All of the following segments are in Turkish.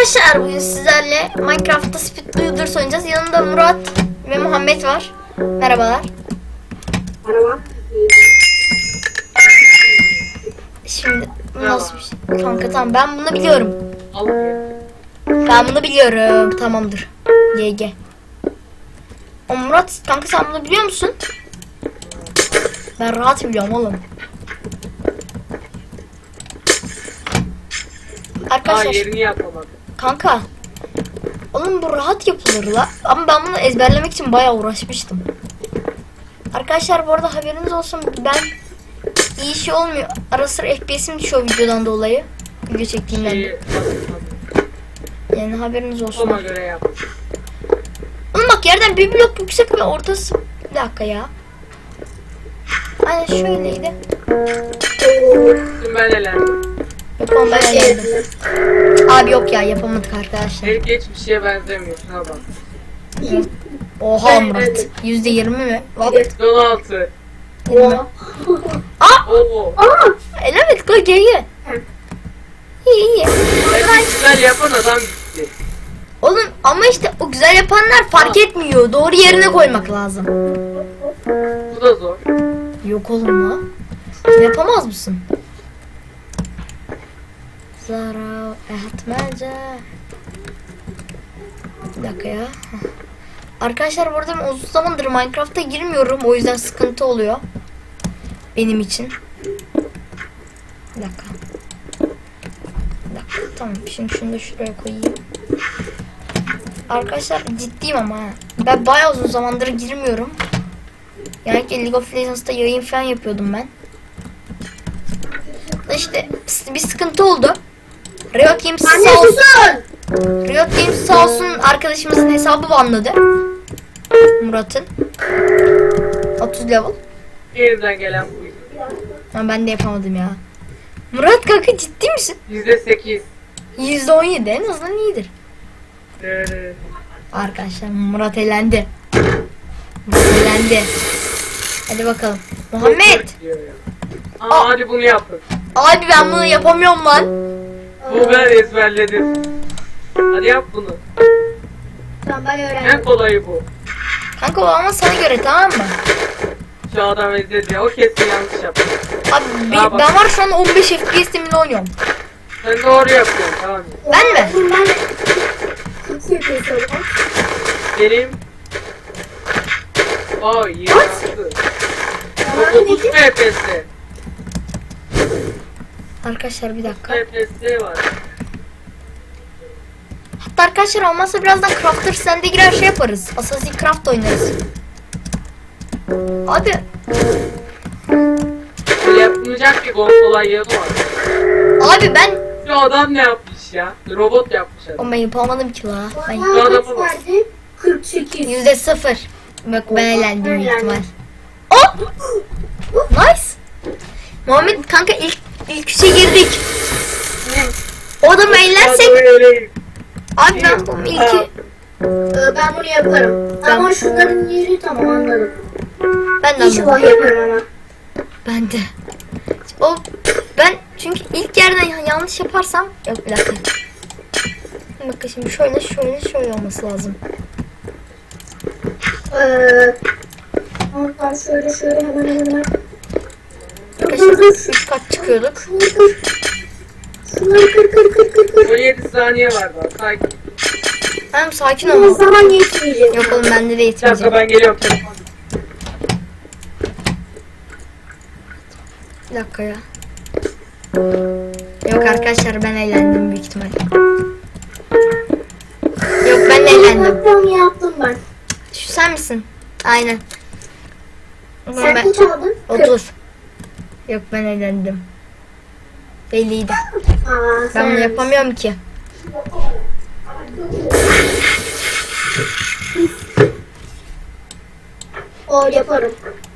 Arkadaşlar bugün sizlerle Minecraft'ta Speed Builders oynayacağız. Yanımda Murat ve Muhammed var. Merhabalar. Merhaba. Şimdi bu nasıl bir şey? Kanka tamam, ben bunu biliyorum. Al. Ben bunu biliyorum. Tamamdır. GG. O Murat kanka, sen bunu biliyor musun? Ben rahat biliyorum oğlum. Arkadaşlar Yerini yapamadım. kanka, oğlum bu rahat yapılır la. Ama ben bunu ezberlemek için bayağı uğraşmıştım. Arkadaşlar bu arada haberiniz olsun, ben iyi şey olmuyor. Ara sıra FPS'im düşüyor videodan dolayı. Video çektiğimden. Yani haberiniz olsun. Ona göre yap. Oğlum bak, yerden bir blok yüksek ve ortası... Bir dakika ya. Aynen şöyleydi. Şimdi ben elendim. Yok oğlum, ben eğlendim. Abi yok ya, yapamadık arkadaşlar. Hiç geçmişe benzemiyor. Şuna bak. Oha Murat. %20 mi? Bak. 16. Oha. Oo. Evet koy geri. İyi iyi. Ben güzel yapan adam gitti. Oğlum ama işte o güzel yapanlar fark etmiyor. Doğru yerine koymak lazım. Bu da zor. Yok oğlum la. Yapamaz mısın? Zara etmece. Bir dakika ya. Arkadaşlar burada ben uzun zamandır Minecraft'a girmiyorum. O yüzden sıkıntı oluyor. Benim için. Bir dakika. Bir dakika. Tamam. Şimdi şunu da şuraya koyayım. Arkadaşlar ciddiyim ama ha. Ben bayağı uzun zamandır girmiyorum. Yani League of Legends'ta yayın falan yapıyordum ben. İşte bir sıkıntı oldu. Riot Games sağ olsun. Riot Games sağ olsun arkadaşımızın hesabı banladı. Murat'ın. 30 level. Yeniden gelen buydu. Ama ben de yapamadım ya. Murat kanka ciddi misin? %8. %17 en azından iyidir. Arkadaşlar Murat elendi. Murat elendi. Hadi bakalım. Muhammed. Hadi bunu yapın. Abi ben bunu yapamıyorum lan. Bu ben ezberledim. Hadi yap bunu. Tamam, ben öğrendim. En kolayı bu. Kanka o ama sana göre, tamam mı? Şu adam ezdi. O kesin yanlış yaptı. Abi ben var şu an 15 FPS teminde oynuyorum. Sen doğru yapıyorsun, tamam mı? Ben mi? Ben kaç yapıyorsun? Benim... Aa, 26. O 9 FPS. Arkadaşlar bir dakika. FPS var. Hatta arkadaşlar olmazsa birazdan Crafter sende girer şey yaparız. Assassin's Craft oynarız. Abi. Böyle yapılacak bir kolay yanı var. Abi ben. Şu adam ne yapmış ya? Robot yapmış adam. Ama ben yapamadım ki la. Ben Şu adamı bak. Verdi 48. %0. Bak ben eğlendim büyük ihtimal. Oh! Nice. Muhammed kanka ilk üçe girdik. O adamı eğlersek. Abi ben bu ilki. Ben bunu yaparım. Ama şunların yeri tamam, anladım. Ben de İnşallah anladım. yaparım ama. Ben de. Ben çünkü ilk yerden yanlış yaparsam yok, bir dakika. Bakın şimdi şöyle olması lazım. Oradan şöyle hemen. Arkadaşlar 3 kat çıkıyorduk. Şunları kır. 17 saniye var daha. Sakin. Hem sakin Ama ol. zaman yetmeyecek. Yok oğlum, bende de Bir dakika, yetmeyecek. ben geliyorum. Telefon. Bir dakika ya. Yok arkadaşlar, ben eğlendim büyük ihtimal. Yok, ben eğlendim. Yaptım ben. Şu sen misin? Aynen. Oğlum Sen ben kaç aldın? 30. Yok, ben eğlendim. Belliydi. Ben bunu yapamıyorum ki. O yaparım.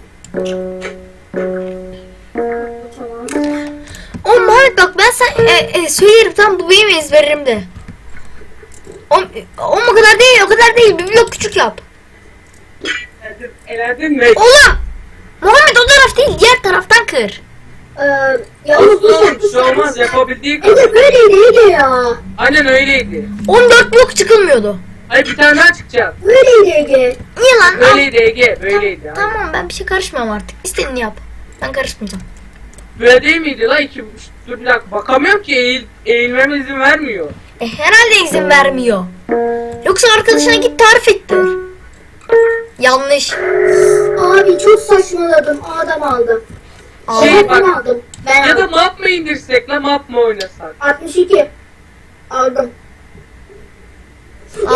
Oğlum Muhammed bak, ben söylerim, tamam, bu benim ezberim de. Oğlum o kadar değil, bir blok küçük yap. Elendin mi? Oğlum Muhammed o taraf değil, diğer taraftan kır. Yalnız bu Olsun bir şey olmaz yapabildiği kadar. Ege böyleydi Ege ya. Aynen öyleydi. 14 blok çıkılmıyordu. Hayır bir tane daha çıkacak. Böyleydi Ege. Niye lan? Al. Böyleydi Ege böyleydi. Tamam ben bir şey karışmam artık. İstediğini yap. Ben karışmayacağım. Böyle değil miydi la? Dur bir dakika bakamıyorum ki eğilmeme izin vermiyor. Herhalde izin vermiyor. Yoksa arkadaşına git tarif ettir. Yanlış. Abi çok saçmaladım. Adam aldım. Şey Ben bak aldım. Ben ya da aldım. map mı indirsek la map mı oynasak? 62. Aldım. Al.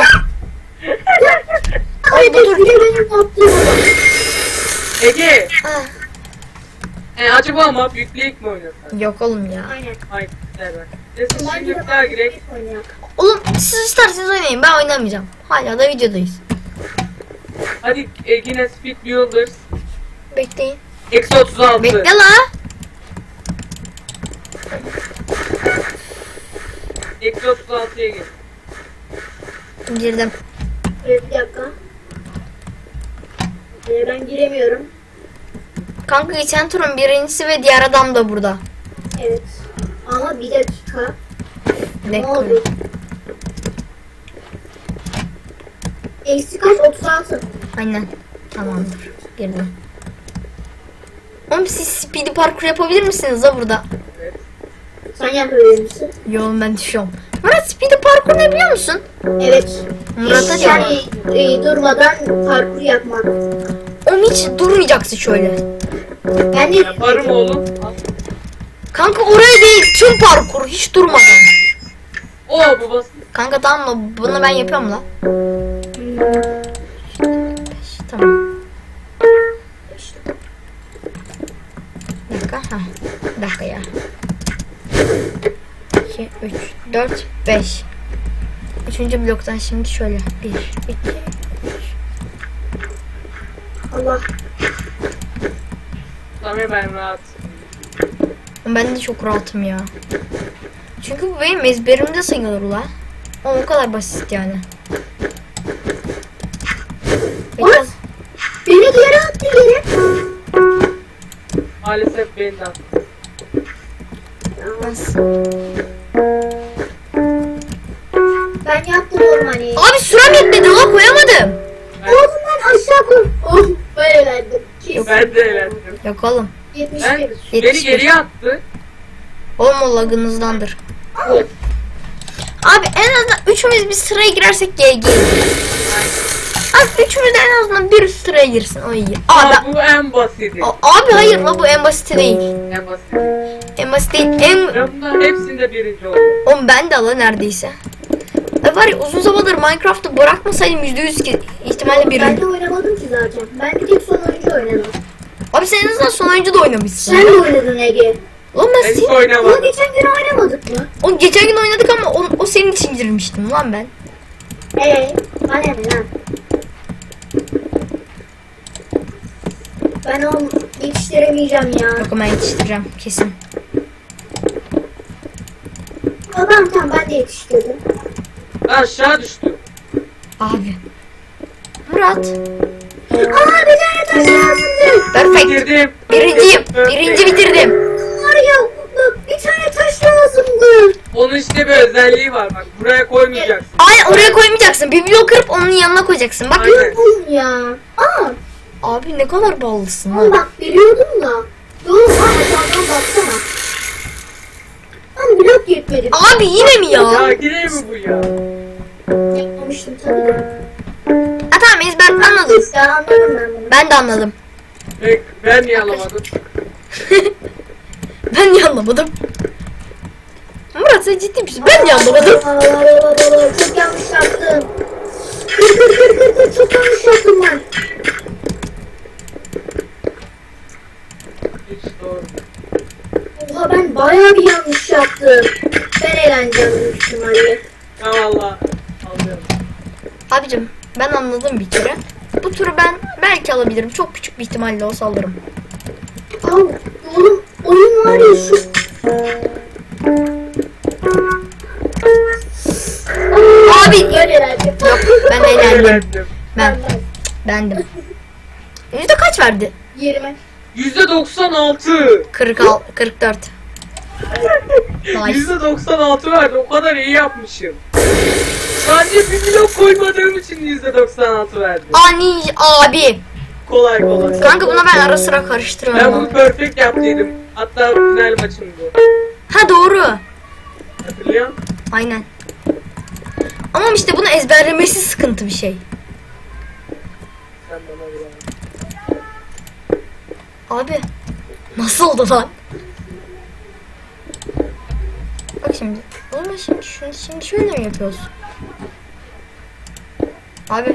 Ay bu tur- bir de benim yaptığım. Ege Ah, acaba map yükleyip mi oynasak? yok oğlum ya. Aynen. Hayır evet. Neyse Bence şimdi de bir daha girek. oynayak. Oğlum siz isterseniz oynayın. Ben oynamayacağım. Hala da videodayız. Hadi yine Speed Builders. Bekleyin. Eksi 36. Bekle la. Eksi 36'ya gir. Girdim. Bir dakika. Ben giremiyorum. Kanka geçen turun birincisi ve diğer adam da burada. Evet. Ama bir dakika. Ne Bekle. oldu? Eksi kaç? 36. Aynen. Tamamdır. Girdim. Oğlum siz speedy parkur yapabilir misiniz da burada? Evet. Sen yapabilir misin? Yo ben düşüyorum. Murat speedy parkur ne biliyor musun? Evet. Murat'a diyor. Yani durmadan parkur yapmak. Oğlum hiç durmayacaksın şöyle. Ben de Yaparım oğlum. Al. Kanka oraya değil tüm parkur hiç durmadan. Oo babası. Kanka tamam mı? Bunu ben yapıyorum la. Tamam. Bir dakika. Ha. Bir dakika ya. 2, 3, 4, 5. Üçüncü bloktan şimdi şöyle. 1, 2. Allah. Tamam ben rahat. Ben de çok rahatım ya. Çünkü bu benim ezberimde sayılır la. O kadar basit yani. What? Beni geri attı yere. Maalesef benden. Nasıl? Ben yaptım ormanı. Abi sürem yetmedi la koyamadım. Oğlum ben aşağı koy. Oh böyle verdim. Ben de eğlendim. Yok oğlum. 71. Ben beni 71. geriye attı. Oğlum o lagınızdandır. Of. Abi en azından üçümüz bir sıraya girersek GG. Abi üçümüz de en azından bir sıraya girsin o iyi. Abi, Aa, bu en basiti. abi hayır la bu en basiti değil. En basiti. En basit değil. En... Ben bunların hepsinde birinci oldum. Oğlum ben de la neredeyse. Var ya uzun zamandır Minecraft'ı bırakmasaydım %100 ki ihtimalle Ben birinci. de oynamadım ki zaten. Ben bir tek son oyuncu oynadım. Abi sen en azından son oyuncu da oynamışsın. Sen de oynadın Ege. Oğlum Ben ben hiç senin... Ama oynamadım. geçen gün oynamadık mı? Oğlum geçen gün oynadık ama o senin için girmiştim lan ben. Bana ne lan? Ben onu yetiştiremeyeceğim ya. Yok ben yetiştireceğim kesin. Tamam ben de yetiştirdim. Ben aşağı düştüm. Abi. Murat. Aa bir tane taş lazımdı. Perfect. Bitirdim. Birinciyim. Perfect. Birinci bitirdim. Var ya bir tane taş lazımdı. Onun işte bir özelliği var bak. Buraya koymayacaksın. Aynen oraya koymayacaksın. Bir blok kırıp onun yanına koyacaksın. Bak. Aynen. Oğlum ya. Aa Abi ne kadar bağlısın ama ha. bak biliyordum da. Doğru aşağıdan baksana. Ama blok yetmedi. Abi yine mi ya? Ya yine mi bu ya? Yapmamıştım tabii de. Ha tamam ezber anladım. İşte anladım ben bunu. Ben de anladım. Ben niye alamadım? Ben niye anlamadım? Murat sen ciddi misin? Ben niye anlamadım? Çok yanlış yaptım. Kır çok yanlış yaptım ben. Hiç doğru. Oha ben bayağı bir yanlış yaptım. Ben eğleneceğim büyük ihtimalle. Ya valla. Alıyorum. Abicim ben anladım bir kere. Bu turu ben belki alabilirim. Çok küçük bir ihtimalle olsa alırım. Aa, oğlum oyun var ya şu. Abi Böyle eğlendim. yok ben eğlendim. Eğlendim. Ben bendim. Yüzde kaç verdi? 20. %96. 44. Nice. %96 verdi. O kadar iyi yapmışım. Sadece bir blok koymadığım için %96 verdi. Ani abi. Kolay kolay. Kanka buna ben ara sıra Ben karıştırıyorum. bunu perfect yaptıydım. Hatta final maçımdı. Ha doğru. Hatırlıyor musun? Aynen. Ama işte bunu ezberlemesi sıkıntı bir şey. Sen bana bir yani. Abi. Nasıl oldu lan? Bak şimdi. Oğlum şimdi şöyle mi yapıyoruz? Abi.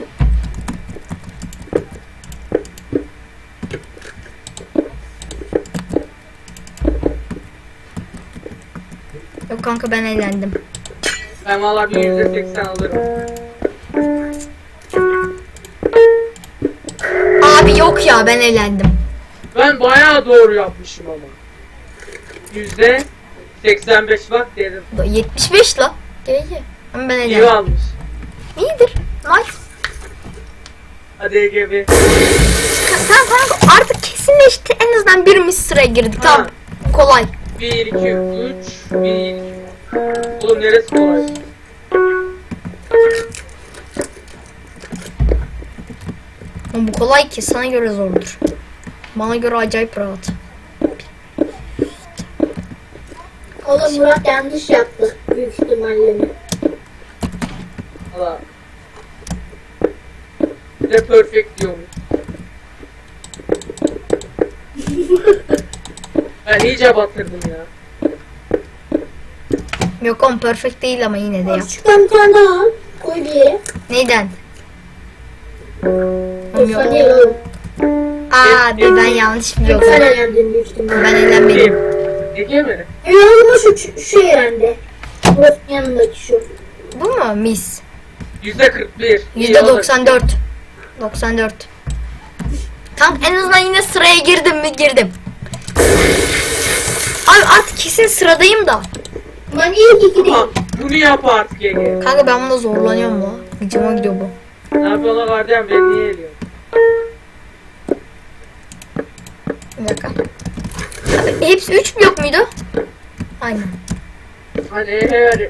Yok kanka ben eğlendim. Ben valla bir %80 alırım. Abi yok ya ben eğlendim. Ben bayağı doğru yapmışım ama. %85 bak dedim. 75 la. İyi. Ama ben İyi eğlendim. almış. İyidir. Nice. Hadi EGB. Tamam kanka artık kesinleşti. En azından birimiz sıraya girdik. Ha. Tamam. Kolay. 1, 2, 3, 1, 2. Oğlum neresi kolay? Ama bu kolay ki sana göre zordur. Bana göre acayip rahat. Oğlum Murat yanlış yaptı. Büyük ihtimalle. Valla. Bir de perfect diyorum. Ben iyice batırdım ya. Yok oğlum perfect değil ama yine de yap. Küçükten bir tane daha al. Koy bir yere. Neyden? Yoksa değil oğlum. Abi ben yanlış biliyorum. Sen eğlendin büyük ihtimalle. Ben eğlenmedim. Kim? Ege mi? Oğlum şu eğlendi. Murat'ın yanındaki şu. Bu mu? Mis. %41. %94. 94. Tam en azından yine sıraya girdim mi girdim. Abi artık kesin sıradayım da. Ben iyi ki gideyim. Ama bunu yap artık Ege. Kanka ben bunda zorlanıyorum mu? Gıcıma gidiyor bu. Ne yapıyorsun lan gardiyan, beni niye eliyorsun? Bir dakika. Abi, hepsi 3 blok muydu? Aynen. Hadi hadi.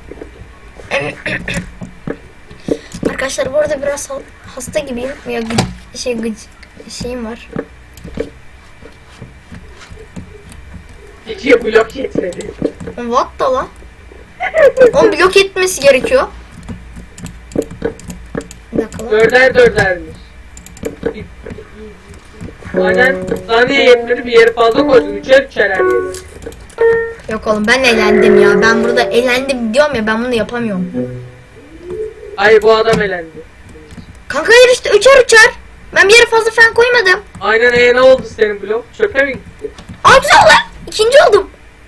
Arkadaşlar bu arada biraz hasta gibiyim. Ya şeyim var. Ege'ye blok yetmedi. What da lan? Onu blok etmesi gerekiyor. Bir dakika lan. Dördermiş. Aynen saniye yetmedi, bir yeri fazla koydum. Üçer her yeri. Yok oğlum ben eğlendim ya. Ben burada eğlendim diyorum ya, ben bunu yapamıyorum. Ay bu adam elendi. Kanka hayır işte üçer. Ben bir yere fazla falan koymadım. Aynen ne oldu senin blok? Çöpe mi gitti? Aa güzel lan. İkinci oldum.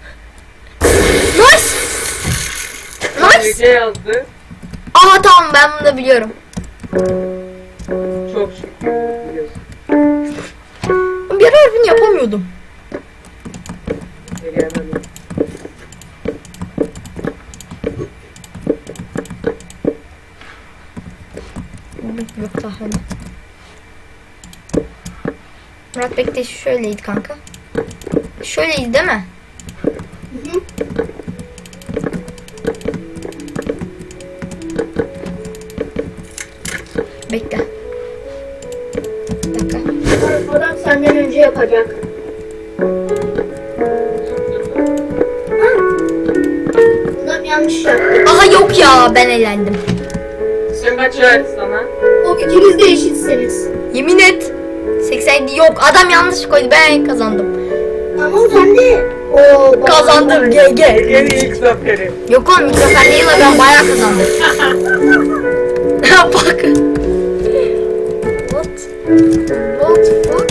Nice. Nice. Ege yazdı. Aha tamam ben bunu da biliyorum. Çok şükür biliyorsun. Bir ara bunu yapamıyordum. Ege hemen yok. Yok daha hani. Murat bekle şöyleydi kanka. Şöyleydi değil mi? Hı hı. Bekle. Bir dakika. Adam senden önce yapacak. Ha. Adam yanlış yaptı. Aha yok ya ben eğlendim. Sen kaç verdi sana? O ikiniz de eşitsiniz. Yemin et. 87 yok adam yanlış koydu ben kazandım. Ama sen de o Kazandım GG. Ege'nin ilk zaferi. Yok oğlum mikrofon değil de ben bayağı kazandım. Bak. What? What fuck?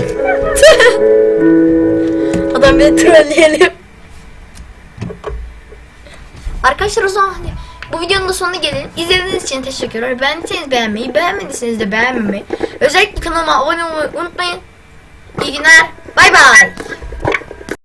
Adam beni trolleyelim. Arkadaşlar o zaman hani bu videonun da sonuna gelin. İzlediğiniz için teşekkürler. Beğendiyseniz beğenmeyi, beğenmediyseniz de beğenmemeyi. Özellikle kanalıma abone olmayı unutmayın. İyi günler. Bay bay.